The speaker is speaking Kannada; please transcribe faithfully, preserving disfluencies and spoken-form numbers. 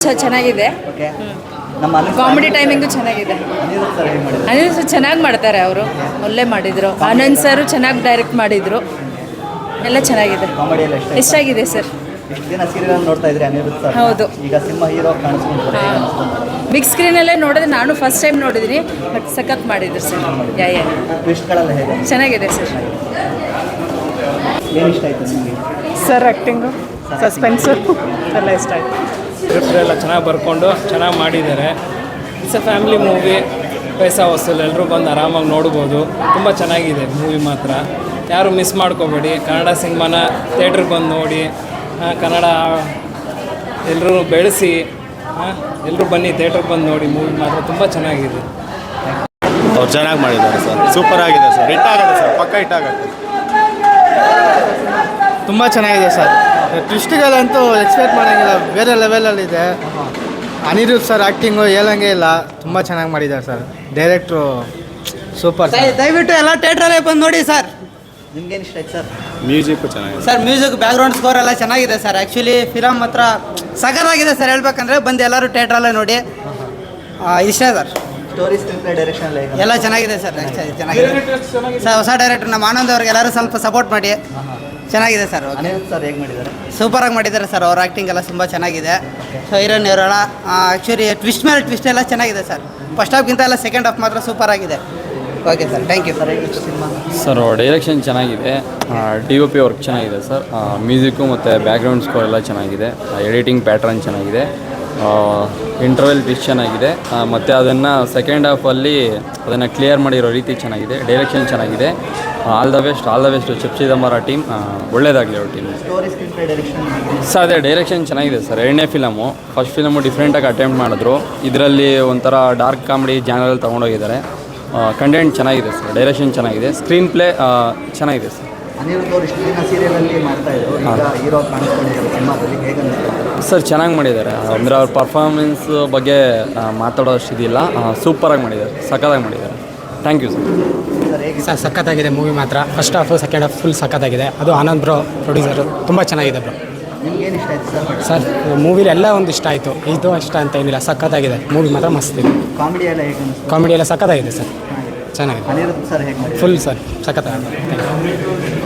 ಚೆನ್ನಾಗಿದೆ. ಓಕೆ ನಮ್ಮ ಕಾಮಿಡಿ ಟೈಮಿಂಗು ಚೆನ್ನಾಗಿದೆ. ಅನಿರುದ್ಧ್ ಸರ್ ಹೇಗೆ ಮಾಡಿದ್ರು? ಅನಿರುದ್ಧ್ ಸರ್ ಚೆನ್ನಾಗಿ ಮಾಡ್ತಾರೆ, ಅವರು ಒಳ್ಳೆ ಮಾಡಿದರು. ಆನಂದ್ ಸರ್ ಚೆನ್ನಾಗಿ ಡೈರೆಕ್ಟ್ ಮಾಡಿದರು, ಎಲ್ಲ ಚೆನ್ನಾಗಿದೆ. ಕಾಮಿಡಿ ಎಲ್ಲ ಇಷ್ಟ ಇಷ್ಟ ಆಗಿದೆ ಸರ್. ಇಷ್ಟು ದಿನ ಸೀರಿಯಲ್ ನೋಡ್ತಾ ಇದ್ರಿ ಅನಿರುದ್ಧ್ ಸರ್, ಹೌದು. ಈಗ ಸಿನಿಮಾ ಹೀರೋ ಕಾಣಿಸ್ಕೊಂಡ್ರೆ ಬಿಗ್ ಸ್ಕ್ರೀನಲ್ಲೇ ನೋಡಿದ್ರೆ ನಾನು ಫಸ್ಟ್ ಟೈಮ್ ನೋಡಿದ್ದೀನಿ, ಬಟ್ ಸಖತ್ ಮಾಡಿದ್ರು ಸರ್. ಯಾ ಯಾ ಟ್ವಿಸ್ಟ್ಗಳೆಲ್ಲ ಹೇಗೆ? ಚೆನ್ನಾಗಿದೆ ಸರ್. ಏನು ಇಷ್ಟ ಆಯಿತು ನಿಮಗೆ? ಸರ್ ಆ್ಯಕ್ಟಿಂಗು, ಸಸ್ಪೆನ್ಸು ಎಲ್ಲ ಇಷ್ಟ ಆಯಿತು. ಸ್ಕ್ರಿಪ್ಟ್ ಎಲ್ಲ ಚೆನ್ನಾಗಿ ಬರ್ಕೊಂಡು ಚೆನ್ನಾಗಿ ಮಾಡಿದ್ದಾರೆ. ಇಟ್ಸ್ ಎ ಫ್ಯಾಮಿಲಿ ಮೂವಿ, ಪೈಸಾ ವಸೂಲ್, ಎಲ್ಲರೂ ಬಂದು ಆರಾಮಾಗಿ ನೋಡ್ಬೋದು. ತುಂಬ ಚೆನ್ನಾಗಿದೆ ಮೂವಿ ಮಾತ್ರ, ಯಾರು ಮಿಸ್ ಮಾಡ್ಕೋಬೇಡಿ. ಕನ್ನಡ ಸಿನಿಮಾನ ಥಿಯೇಟ್ರಿಗೆ ಬಂದು ನೋಡಿ, ಕನ್ನಡ ಎಲ್ಲರೂ ಬೆಳೆಸಿ, ಎಲ್ಲರೂ ಬನ್ನಿ ಥಿಯೇಟ್ರಿಗೆ ಬಂದು ನೋಡಿ. ಮೂವಿ ಮಾತ್ರ ತುಂಬ ಚೆನ್ನಾಗಿದೆ. ಅವ್ರು ಚೆನ್ನಾಗಿ ಮಾಡಿದ್ದಾರೆ ಸರ್, ಸೂಪರ್ ಆಗಿದೆ ಸರ್, ಹಿಟ್ ಆಗುತ್ತೆ ಸರ್, ಪಕ್ಕ ಹಿಟ್ ಆಗುತ್ತೆ. ತುಂಬ ಚೆನ್ನಾಗಿದೆ ಸರ್. ಟ್ವಿಸ್ಟ್ಗಳಂತೂ ಎಕ್ಸ್ಪೆಕ್ಟ್ ಮಾಡೋಂಗಿಲ್ಲ, ಬೇರೆ ಲೆವೆಲಲ್ಲಿದೆ. ಅನಿರುದ್ಧ್ ಸರ್ ಆ್ಯಕ್ಟಿಂಗು ಹೇಳಂಗೆ ಇಲ್ಲ, ತುಂಬ ಚೆನ್ನಾಗಿ ಮಾಡಿದ್ದಾರೆ ಸರ್. ಡೈರೆಕ್ಟ್ರು ಸೂಪರ್. ದಯವಿಟ್ಟು ಎಲ್ಲ ಥಿಯೇಟ್ರಲ್ಲೇ ಬಂದು ನೋಡಿ ಸರ್. ನಿಮ್ಗೇನು ಇಷ್ಟ ಆಯ್ತು ಸರ್? ಮ್ಯೂಸಿಕ್ಕು ಚೆನ್ನಾಗಿದೆ ಸರ್ ಮ್ಯೂಸಿಕ್, ಬ್ಯಾಕ್ಗ್ರೌಂಡ್ ಸ್ಕೋರ್ ಎಲ್ಲ ಚೆನ್ನಾಗಿದೆ ಸರ್. ಆ್ಯಕ್ಚುಲಿ ಫಿಲಮ್ ಮಾತ್ರ ಸಖತ್ತಾಗಿದೆ ಸರ್. ಹೇಳ್ಬೇಕಂದ್ರೆ ಬಂದು ಎಲ್ಲರೂ ಥಿಯೇಟ್ರಲ್ಲೇ ನೋಡಿ. ಇಷ್ಟ sir. Story, screenplay, direction ಎಲ್ಲ ಹೇಗೆ? ಎಲ್ಲ ಚೆನ್ನಾಗಿದೆ ಸರ್. ಚೆನ್ನಾಗಿದೆ ಸರ್. ಹೊಸ ಡೈರೆಕ್ಟರ್ ನಮ್ಮ ಆನಂದ್ ಅವ್ರಿಗೆ ಎಲ್ಲರೂ ಸ್ವಲ್ಪ ಸಪೋರ್ಟ್ ಮಾಡಿ. ಚೆನ್ನಾಗಿದೆ ಸರ್. ಅನಿರುದ್ಧ್ ಸರ್ ಹೇಗೆ ಮಾಡಿದ್ದಾರೆ? ಸೂಪರಾಗಿ ಮಾಡಿದ್ದಾರೆ ಸರ್. ಅವ್ರ ಆ್ಯಕ್ಟಿಂಗ್ ಎಲ್ಲ ತುಂಬ ಚೆನ್ನಾಗಿದೆ. ಸೊ ಹೀರೋನ್ ಇವರೆಲ್ಲ ಆ್ಯಕ್ಚುಲಿ ಟ್ವಿಸ್ಟ್ ಮೇಲೆ ಟ್ವಿಸ್ಟ್ ಎಲ್ಲ ಚೆನ್ನಾಗಿದೆ ಸರ್. ಫಸ್ಟ್ ಹಾಫ್ಗಿಂತ ಎಲ್ಲ ಸೆಕೆಂಡ್ ಹಾಫ್ ಮಾತ್ರ ಸೂಪರ್ ಆಗಿದೆ. Okay sir, thank you. Sir ಹೇಗೆ ಇಷ್ಟು ಸಿನಿಮಾ? ಸರ್ ಡೈರೆಕ್ಷನ್ ಚೆನ್ನಾಗಿದೆ, ಡಿ ಒ ಪಿ ವರ್ಕ್ ಚೆನ್ನಾಗಿದೆ ಸರ್, ಮ್ಯೂಸಿಕ್ಕು ಮತ್ತು ಬ್ಯಾಕ್ಗ್ರೌಂಡ್ ಸ್ಕೋರ್ ಎಲ್ಲ ಚೆನ್ನಾಗಿದೆ, ಎಡಿಟಿಂಗ್ ಪ್ಯಾಟ್ರನ್ ಚೆನ್ನಾಗಿದೆ, ಇಂಟರ್ವೆಲ್ ಟ್ವಿಸ್ಟ್ ಚೆನ್ನಾಗಿದೆ, ಮತ್ತು ಅದನ್ನು ಸೆಕೆಂಡ್ ಹಾಫಲ್ಲಿ ಅದನ್ನು ಕ್ಲಿಯರ್ ಮಾಡಿರೋ ರೀತಿ ಚೆನ್ನಾಗಿದೆ. ಡೈರೆಕ್ಷನ್ ಚೆನ್ನಾಗಿದೆ. All the best, all the best chef Chidambara team, ಒಳ್ಳೇದಾಗಲಿ ಅವ್ರ team. Story, screenplay, direction sir ಅದೇ ಡೈರೆಕ್ಷನ್ ಚೆನ್ನಾಗಿದೆ ಸರ್. ಎರಡನೇ ಫಿಲಮು, ಫಸ್ಟ್ ಫಿಲಮು ಡಿಫ್ರೆಂಟಾಗಿ ಅಟೆಂಪ್ಟ್ ಮಾಡಿದ್ರು, ಇದರಲ್ಲಿ ಒಂಥರ ಡಾರ್ಕ್ ಕಾಮಿಡಿ ಜಾನರಲ್ಲಿ ತೊಗೊಂಡೋಗಿದ್ದಾರೆ. ಕಂಟೆಂಟ್ ಚೆನ್ನಾಗಿದೆ ಸರ್, ಡೈರೆಕ್ಷನ್ ಚೆನ್ನಾಗಿದೆ, ಸ್ಕ್ರೀನ್ ಪ್ಲೇ ಚೆನ್ನಾಗಿದೆ ಸರ್. ಅನಿರುದ್ಧ್ ಅವರು ಇಷ್ಟು ದಿನ ಸೀರಿಯಲಲ್ಲಿ ಮಾಡ್ತಾ ಇದ್ರು, ಈಗ ಹೀರೋ ಕಾಣಿಸ್ಕೊಂಡಿದ್ದಾರೆ ಸಿನಿಮಾದಲ್ಲಿ, ಹೇಗೆ ಅನಿಸ್ತಾರೆ? ಸರ್ ಚೆನ್ನಾಗಿ ಮಾಡಿದ್ದಾರೆ. ಅಂದರೆ ಅವ್ರ ಪರ್ಫಾರ್ಮೆನ್ಸ್ ಬಗ್ಗೆ ಮಾತಾಡೋಷ್ಟು ಇದಿಲ್ಲ, ಸೂಪರಾಗಿ ಮಾಡಿದ್ದಾರೆ, ಸಖತ್ತಾಗಿ ಮಾಡಿದ್ದಾರೆ. Thank you sir. ಸರ್ ಹೇಗೆ? ಸರ್ ಸಖತ್ತಾಗಿದೆ ಮೂವಿ ಮಾತ್ರ. First half second half full ಸಖತ್ತಾಗಿದೆ. ಅದು ಆನಂದ್ ಬ್ರೋ ಪ್ರೊಡ್ಯೂಸರು, ತುಂಬ ಚೆನ್ನಾಗಿದೆ ಬ್ರೋ. ನಿಮ್ಗೇನು ಇಷ್ಟ ಆಯ್ತು ಸರ್? ಸರ್ ಮೂವಿಲಿ ಎಲ್ಲ ಒಂದು ಇಷ್ಟ ಆಯಿತು, ಇದು ಇಷ್ಟ ಅಂತ ಏನಿಲ್ಲ, ಸಖತ್ತಾಗಿದೆ ಮೂವಿ ಮಾತ್ರ ಮಸ್ತ್ ಇದೆ. ಕಾಮಿಡಿ ಎಲ್ಲ ಹೇಗೆ ಅನಿಸ್ತು? ಕಾಮಿಡಿ ಎಲ್ಲ ಸಖತ್ತಾಗಿದೆ ಸರ್, ಚೆನ್ನಾಗಿದೆ. ಅನಿರುದ್ಧ್ ಸರ್ ಹೇಗೆ ಮಾಡಿ? ಫುಲ್ ಸರ್ ಸಖತ್ತಾಗಿದೆ. Thank you.